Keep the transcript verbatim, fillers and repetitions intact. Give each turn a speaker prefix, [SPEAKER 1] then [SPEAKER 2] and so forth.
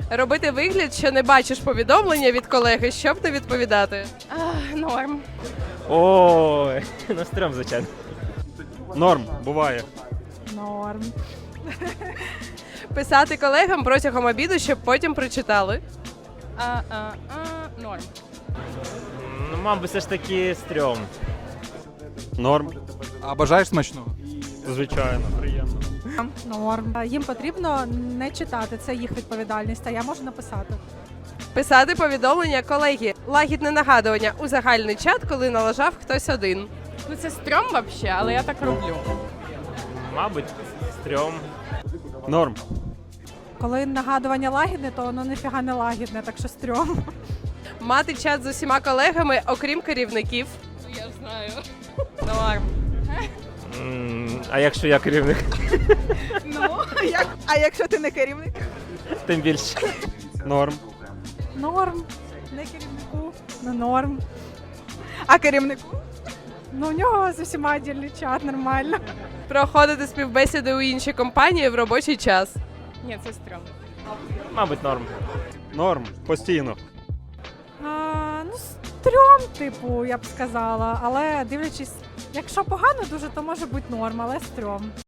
[SPEAKER 1] Робити вигляд, що не бачиш повідомлення від колеги, щоб не відповідати.
[SPEAKER 2] А, норм.
[SPEAKER 3] Ой, ну стрьом, звичайно.
[SPEAKER 4] Норм, буває.
[SPEAKER 5] Норм.
[SPEAKER 1] Писати колегам протягом обіду, щоб потім прочитали.
[SPEAKER 2] А, а, а, норм.
[SPEAKER 3] Ну, мабуть, все ж таки стрьом.
[SPEAKER 4] Норм.
[SPEAKER 6] А бажаєш смачного?
[SPEAKER 4] Звичайно, приємно.
[SPEAKER 5] Норм. Їм потрібно не читати, це їх відповідальність, а я можу написати.
[SPEAKER 1] Писати повідомлення колеги. Лагідне нагадування у загальний чат, коли налажав хтось один.
[SPEAKER 2] Ну це стрьом вообще, але я так роблю.
[SPEAKER 3] Мабуть, стрьом.
[SPEAKER 4] Норм.
[SPEAKER 5] Коли нагадування лагідне, то воно ніфіга не лагідне, так що стрьом.
[SPEAKER 1] Мати чат з усіма колегами, окрім керівників.
[SPEAKER 2] Я знаю. Норм.
[SPEAKER 3] М, А якщо я керівник,
[SPEAKER 5] Ну, як? А якщо ти не керівник?
[SPEAKER 3] тим більше.
[SPEAKER 4] Норм.
[SPEAKER 5] Норм. Не керівнику, ну норм. А керівнику? Ну, у нього з усіма дільний чат, нормально.
[SPEAKER 1] Проходити співбесіди у іншій компанії в робочий час.
[SPEAKER 2] Ні, це стрьом.
[SPEAKER 3] Мабуть, норм.
[SPEAKER 4] Норм. Постійно.
[SPEAKER 5] А, ну, стрьом, типу, я б сказала. Але дивлячись, якщо погано дуже, то може бути норм, але стрьом.